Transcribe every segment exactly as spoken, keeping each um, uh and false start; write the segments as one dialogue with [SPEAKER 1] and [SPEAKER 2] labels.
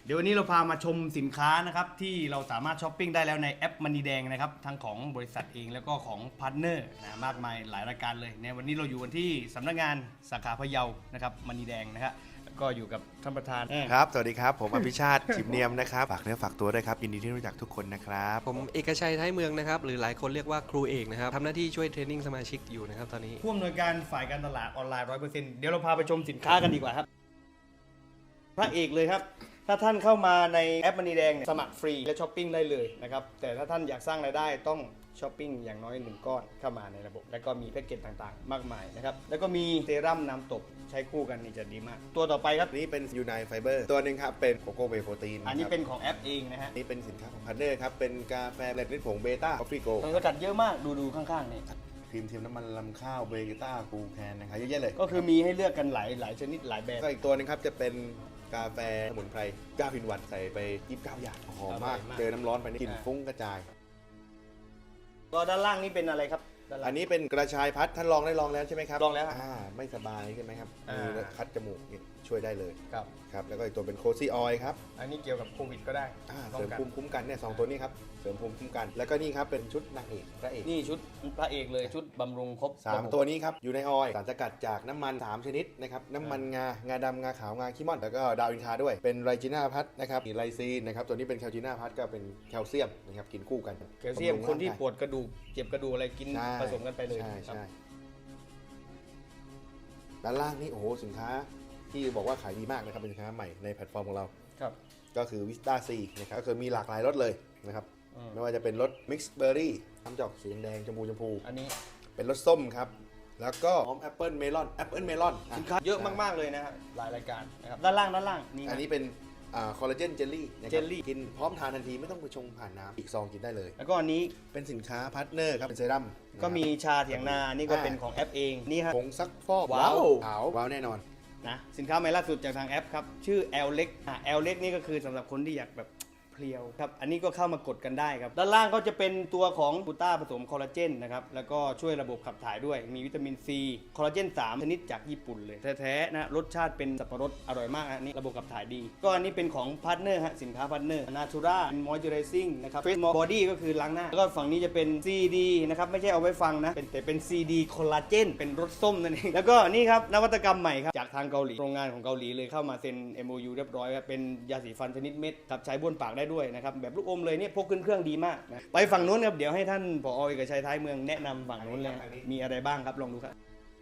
[SPEAKER 1] เดี๋ยววันนี้เราพามาชมสินค้านะครับที่เราสามารถช้อปปิ้งได้แล้วในแอปมันนีแดงนะครับทั้งของบริษัทเองแล้วก็ของพาร์ทเนอร์นะมากมายหลายรายการเลยในวันนี้เราอยู่กันที่สำนักงานสาขาพะเยานะครับมันนีแดงนะครับก็อยู่กับท่านประธาน
[SPEAKER 2] ครับสวัสดีครับผมอภิชาติ ชิมเนียมนะครับฝากเนื้อฝากตัวด้วยครับยินดีที่รู้จักทุกคนนะครับ
[SPEAKER 3] ผมเอกชัยท้ายเมืองนะครับหรือหลายคนเรียกว่าครูเอกนะครับทำหน้าที่ช่วยเทรนนิ่งสมาชิกอยู่นะครับตอนนี้
[SPEAKER 1] ผู้อำนวยการฝ่ายการตลาดออนไลน์ ร้อยเปอร์เซ็นต์ เดี๋ยวเราพาไปชมสินค้ากันดีกว่าครับพระเอกเลยครับถ้าท่านเข้ามาในแอปมันนีแดงสมัครฟรีและช้อปปิ้งได้เลยนะครับแต่ถ้าท่านอยากสร้างรายได้ต้องช้อปปิ้งอย่างน้อยหนึ่งก้อนเข้ามาในระบบแล้วก็มีแพ็กเกจต่างๆมากมายนะครับแล้วก็มีเซรั่มน้ำตบใช้คู่กันนี่จะดีมากตัวต่อไปครับ
[SPEAKER 2] นี่เป็นยูไนไฟเบอร์ตัวหนึ่งครับเป็นโกโก้เวย์โปรตีน
[SPEAKER 1] อันนี้เป็นของแอปเองนะฮะ
[SPEAKER 2] นี่เป็นสินค้าของพาร์ทเนอร์ครับเป็นกาแฟแบล็คผงเบต้าคอฟฟี่โก
[SPEAKER 1] มันก็จัดเยอะมากดูดูข้างๆนี่
[SPEAKER 2] ครีมเทียมน้ำมันลำข้าวเบต้ากูแคนนะครับเยอะแยะเลย
[SPEAKER 1] ก็คือมีให้เลือกกันหลายหลายชนิดหลายแบบ
[SPEAKER 2] ก็อีกตัวนึงครับจะเป็นกาแฟสมุนไพรเก้า อิน วันใส่ไปยี่สิบเก้าอย่างหอมมากเจอน้ำร้อนไปนี่กลิ่นฟุ้งกระจาย
[SPEAKER 1] ตัวด้านล่างนี่เป็นอะไรครับ
[SPEAKER 2] อันนี้เป็นกระชายพัดท่านลองได้ลองแล้วใช่ไหมครับ
[SPEAKER 1] ลองแล้ว
[SPEAKER 2] อ่าไม่สบายใช่ไหมครับมีคัดจมูกช่วยได้เลย
[SPEAKER 1] ครับ
[SPEAKER 2] ครับแล้วก็อีกตัวเป็นโคซี่ออยล์ครับ
[SPEAKER 1] อันนี้เกี่ยวกับโควิดก็ได้
[SPEAKER 2] เสริมภูมิคุ้มกันเนี่ยสองตัวนี้ครับเสริมภูมิคุ้มกันแล้วก็นี่ครับเป็นชุดนางเอกพระเอก
[SPEAKER 1] นี่ชุดพระเอกเลยชุดบำรุงครบ
[SPEAKER 2] สามตัวนี้ครับอยู่ในออยล์สารสกัดจากน้ำมันสามชนิดนะครับน้ำมันงางาดำงาขาวงาขี้ม่อนแล้วก็ดาวอินทราด้วยเป็นไรจิน่าพัทนะครับมีไลซีนนะครับตัวนี้เป็นแคลจิน่าพัทก็เป็นแคลเซียมนะครับกินคู่กัน
[SPEAKER 1] แคลเซียมคนที่ปวดกระดูกเจ็บกระดูกอะไรกินผสมกันไปเลย
[SPEAKER 2] ใช่ใช่ด้านล่างนี่โอ้โหสินค้าที่บอกว่าขายดีมากนะครับเป็นสินค้าใหม่ในแพลตฟอร์มของเรา
[SPEAKER 1] ครับ
[SPEAKER 2] ก็คือวิสตาซีนะครับก็คือมีหลากหลายรสเลยนะครับไม่ว่าจะเป็นรสมิกซ์เบอร์รี่น้ำจอกสีแดงชมพูชมพู
[SPEAKER 1] อันนี้
[SPEAKER 2] เป็นรสส้มครับแล้วก็หอมแอปเปิลเมลอนแอปเปิลเมลอน
[SPEAKER 1] สินค้าเยอะมากๆเลยนะฮะหลายรายการนะครับด้านล่างด้านล่างนี่
[SPEAKER 2] อันนี้เป็นคอลลาเจนเจลลี่เจลลี่กินพร้อมทานทันทีไม่ต้องไปชงผ่านน้ำอีกซองกินได้เลย
[SPEAKER 1] แล้วก็อันนี้
[SPEAKER 2] เป็นสินค้าพาร์ทเนอร์ครับเป็นเซรั่ม
[SPEAKER 1] ก็มีชาเถียงนานี่ก็เป็นของแอปเองนี่ฮะ
[SPEAKER 2] ผงซักฟอก
[SPEAKER 1] ว้าว
[SPEAKER 2] ขาวว้าวแน่นอน
[SPEAKER 1] นะสินค้าใหม่ล่าสุดจากทางแอปครับชื่อ L เล็กอ่ะ L เล็กนี่ก็คือสำหรับคนที่อยากแบบเพลียวครับอันนี้ก็เข้ามากดกันได้ครับด้านล่างก็จะเป็นตัวของกูต้าผสมคอลลาเจนนะครับแล้วก็ช่วยระบบขับถ่ายด้วยมีวิตามินซีคอลลาเจนสามชนิดจากญี่ปุ่นเลยแท้ๆนะรสชาติเป็นสับปะรดอร่อยมากอันนี้ระบบขับถ่ายดีก็อันนี้เป็นของพาร์ทเนอร์ฮะสินค้าพาร์ทเนอร์นาทูราเป็นมอยเจอไรซิ่งนะครับเฟสบอดี้ก็คือล้างหน้าแล้วก็ฝั่งนี้จะเป็น ซี ดี นะครับไม่ใช่เอาไว้ฟังนะเป็นแต่เป็น ซี ดี คอลลาเจนเป็นรสส้มนั่นเองแล้วก็นี่ครับนวัตกรรมใหม่ครับจากทางเกาหลีโรงงานของเกาหลีเลยเข้ามาเซ็น เอ็ม โอ ยู เรียบร้อยครับเป็นยาสีฟันชนิดเม็ดครับใช้บ้วนปากได้ด้วยนะครับแบบลูกอมเลยเนี่ยพกขึ้นเครื่องดีมากนะไปฝั่งนู้นครับเดี๋ยวให้ท่านผอ.เอกชัยท้ายเมืองแนะนำฝั่งนู้นเลยมีอะไรบ้างครับลองดูครับ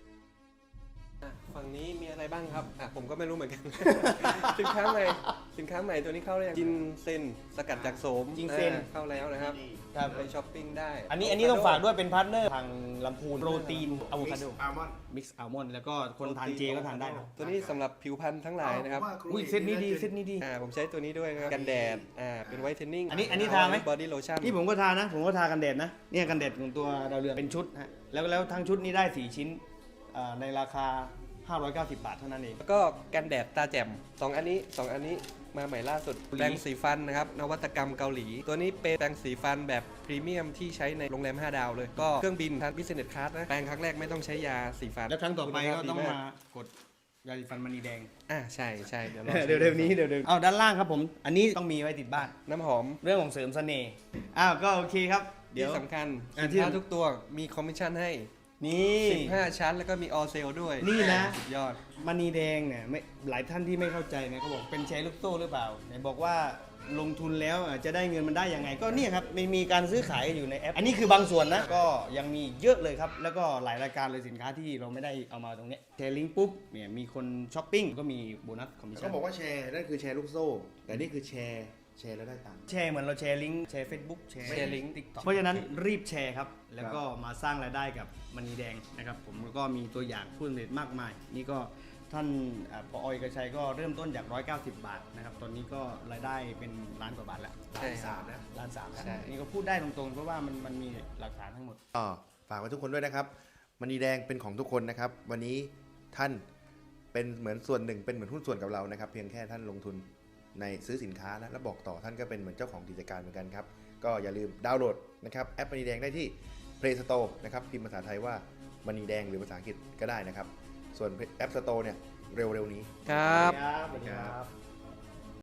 [SPEAKER 3] ฝั่งนี้มีอะไรบ้างครับอ่ะผมก็ไม่รู้เหมือนกัน สินค้าใหม่สินค้าใหม่ตัวนี้เข้าแล้วจินเซนสกัดจากโสม
[SPEAKER 1] จินเซน
[SPEAKER 3] เข้าแล้วนะครับไปช้อปปิ้งได้
[SPEAKER 1] อันนี้อันนี้ต้องฝากด้วยเป็นพาร์ทเนอร์ทางลำพูนโปรตีนอะโวคาโด
[SPEAKER 2] อัลมอนด์
[SPEAKER 1] มิกซ์อัลมอนด์แล้วก็คนทานเจก็ทานได้
[SPEAKER 3] ตัวนี้สำหรับผิวพรรณทั้งหลายนะครับ
[SPEAKER 1] อุ้ยเซตนี้ดีเซตนี้ดี
[SPEAKER 3] อ่าผมใช้ตัวนี้ด้วยนะครับกันแดดอ่าเป็นไวท์เทนนิ่ง
[SPEAKER 1] อันนี้อันนี้ทาไหม
[SPEAKER 3] บอดี้โลชั่น
[SPEAKER 1] นี่ผมก็ทานะผมก็ทากันแดดนะเนี่ยกันแดดของตัวดาวเรืองเป็นชุดฮะแล้วแล้วทั้งชุดนี้ได้สี่ชิ้นในราคาห้าร้อยเก้าสิบบาทเท่านั้นเอง
[SPEAKER 3] แล้วก็กันแดดตาแจ่มสองอันนี้สองอันนี้มาใหม่ล่าสุดแปรงสีฟันนะครับนวัตกรรมเกาหลีตัวนี้เป็นแปรงสีฟันแบบพรีเมียมที่ใช้ในโรงแรมห้าดาวเลยก็เครื่องบินทางบิสเนสคลาสนะแปรงครั้งแรกไม่ต้องใช้ยาสีฟัน
[SPEAKER 1] แล้วครั้งต่อไปก็ต้องมากดยาสีฟันมณีแดง
[SPEAKER 3] อ่าใช่ใช่เดี๋ยว
[SPEAKER 1] เดี๋ยวเดี๋ยวนี้เดี๋ยวเดี๋ยวเอาด้านล่างครับผมอันนี้ต้องมีไว้ติดบ้าน
[SPEAKER 3] น้ำหอม
[SPEAKER 1] เรื่องของเสริมเสน่ห์อ้าวก็โอเคครับ
[SPEAKER 3] เดี๋ยวสำคัญสินค้าทุกตัวมีคอมมิชชั่นให้
[SPEAKER 1] นี่
[SPEAKER 3] สิบห้าชั้นแล้วก็มีออเซลด้วย
[SPEAKER 1] นี่นะ
[SPEAKER 3] สุดยอด
[SPEAKER 1] มณีแดงเนี่ยไม่หลายท่านที่ไม่เข้าใจเนี่ยเขาบอกเป็นแชร์ลูกโซ่หรือเปล่าไหนบอกว่าลงทุนแล้วจะได้เงินมันได้ยังไงก็เนี่ยครับไม่มีการซื้อขายอยู่ในแอปอันนี้คือบางส่วนนะก็ยังมีเยอะเลยครับแล้วก็หลายรายการเลยสินค้าที่เราไม่ได้เอามาตรงนี้แชร์ลิงก์ปุ๊บเนี่ยมีคนช้อปปิ้งก็มีโบนัสคอมมิชชั่น
[SPEAKER 2] เขาบอกว่าแชร์นั่นคือแชร์ลูกโซ่แต่นี่คือแชร์แชร์แล้วได้ตังค์
[SPEAKER 1] แชร์เหมือนเราแชร์ลิงก์แชร์ Facebook แชร์
[SPEAKER 3] ลิงก์
[SPEAKER 1] TikTok เพราะฉะนั้นรีบแชร์ครับแล้วก็มาสร้างรายได้กับมณีแดงนะครับผมแล้วก็มีตัวอย่างผู้สำเร็จมากมายนี่ก็ท่านผอ.เอกชัยก็เริ่มต้นจากหนึ่งร้อยเก้าสิบบาทนะครับตอนนี้ก็รายได้เป็นล้านกว่าบาทแล้ว
[SPEAKER 2] ล้านสามนะ
[SPEAKER 1] ล้านสามแล้วนี่ก็พูดได้ตรงๆเพราะว่ามันมันมีหลักฐานทั้งหมด
[SPEAKER 2] อ๋อฝากไว้ทุกคนด้วยนะครับมณีแดงเป็นของทุกคนนะครับวันนี้ท่านเป็นเหมือนส่วนหนึ่งเป็นเหมือนหุ้นส่วนกับเรานะครับเพียงแค่ท่านลงทุนในซื้อสินค้าแล้วแล้วบอกต่อท่านก็เป็นเหมือนเจ้าของกิจการเหมือนกันครับก็อย่าลืมดาวน์โหลดนะครับแอปมณีแดงได้ที่ Play Store นะครับพิมพ์ภาษาไทยว่ามณีแดงหรือภาษาอังกฤษก็ได้นะครับส่วน App Store เนี่ยเร็วๆนี้
[SPEAKER 3] ครับ
[SPEAKER 1] สวัสดีครับ